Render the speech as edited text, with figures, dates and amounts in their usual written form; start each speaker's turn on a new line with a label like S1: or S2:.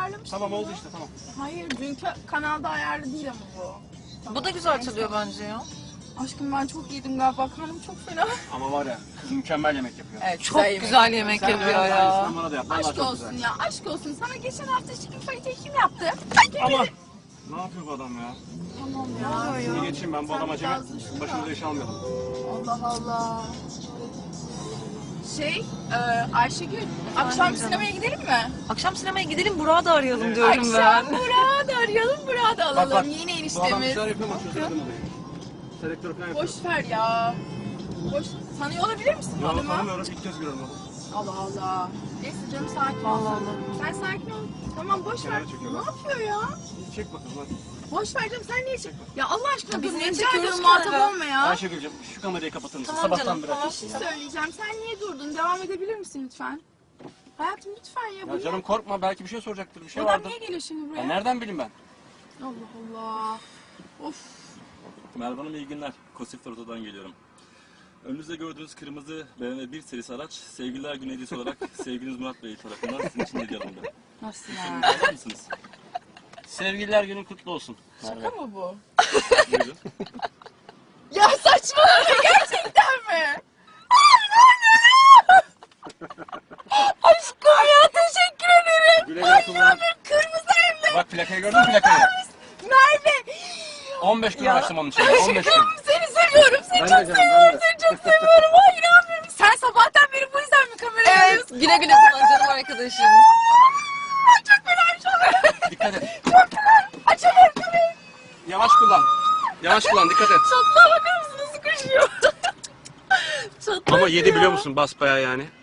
S1: ayarlamıştım.
S2: Tamam oldu
S1: bunu.
S2: işte tamam.
S1: Hayır dünkü kanalda ayarlı değil ama bu. Tamam.
S3: Bu da güzel çalıyor bence ya.
S1: Aşkım ben çok yedim galiba. Karnım çok fena.
S2: Ama var ya kız mükemmel yemek yapıyor.
S1: Evet,
S3: Çok güzel yemek
S2: Sen
S3: yapıyor
S2: aynısından
S3: ya.
S2: bana da yap. Vallahi
S1: Aşk
S2: çok
S1: olsun
S2: güzel.
S1: ya. Aşk olsun. Sana geçen hafta chicken fajita kim yaptı?
S2: Ama ne yapıyor bu adam ya?
S1: Tamam ya.
S2: Şimdi geçeyim ben bu
S1: Sen
S2: adam acemi.
S1: biraz düşün
S2: Başımıza
S1: da.
S2: iş almayalım.
S1: Allah Allah. Ayşegül, akşam
S3: canım.
S1: sinemaya gidelim mi?
S3: Akşam sinemaya gidelim, Burak'ı da arayalım diyorum
S1: Akşam
S3: ben.
S1: Burak'ı da arayalım, Burak'ı da alalım.
S2: Bak,
S1: Yeni
S2: Bu adam bir
S1: eniştemiz.
S2: şeyler yapıyor ama çözemedim olayı. Selektör falan yapıyor.
S1: Boş ver ya. Boş. Tanıyor olabilir misin bu
S2: Ya
S1: adamı?
S2: tanımıyorum ilk kez görüyorum onu.
S1: Allah Allah. Neyse canım sakin ol.
S3: Allah
S1: Sen sakin ol. Tamam boş ver.
S2: Kenara çekiyor
S1: Ne
S2: bak.
S1: yapıyor ya?
S2: Çek bakalım hadi.
S1: Boş ver canım sen niye çek? Ya Allah aşkına
S3: Ya biz
S1: dur
S3: niye
S1: rica
S3: çekiyoruz
S1: ediyorum
S3: ki
S1: muhatap
S3: hala?
S1: olma ya.
S2: Ayşegül'cüm şu kamerayı kapatır mısın?
S3: Tamam
S2: Sabahtan
S3: canım,
S2: beri
S3: tamam.
S2: açık.
S1: Bir şey söyleyeceğim. Sen niye durdun? Devam edebilir misin lütfen? Hayatım lütfen ya.
S2: Ya canım korkma belki bir şey soracaktır bir şey
S1: Bu adam
S2: vardır.
S1: niye geliyor şimdi buraya?
S2: Ya nereden bileyim ben?
S1: Allah Allah. Of.
S4: Merhaba Hanım iyi günler. Kosif Oto'dan geliyorum. Önünüzde gördüğünüz kırmızı BMW 1 serisi araç Sevgililer Günü hediyesi olarak sevgiliniz Murat Bey tarafından sizin için hediye alındı.
S1: Nasıl ya?
S4: Alır mısınız?
S2: Sevgililer günün kutlu olsun.
S1: Şaka mı bu?
S4: Buyurun.
S1: Ya saçmalama gerçekten mi? Aşkım ya teşekkür ederim.
S2: Güle güle kullan.
S1: Kırmızı evli.
S2: Bak plakayı gördün mü plakayı?
S1: Merve.
S2: 15 gün uğraştım onun için. 15 gün.
S1: Aşkım seni seviyorum. Seni
S2: Ben
S1: çok
S2: de canım,
S1: seviyorum.
S2: ben de.
S1: Seni çok seviyorum. Ay inanmıyorum. Sen sabahtan beri bu yüzden mi kamerayı
S3: Evet,
S1: alıyorsun?
S3: güle güle kullan canım arkadaşım.
S1: Ay çok fena şu an.
S2: Dikkat et.
S1: Çok fena. Açamıyorum kamerayı.
S2: Yavaş kullan. Yavaş kullan dikkat et.
S1: Çatlağa bakar mısın nasıl koşuyor? Çatlak
S2: Ama yedi
S1: ya.
S2: biliyor musun basbayağı yani.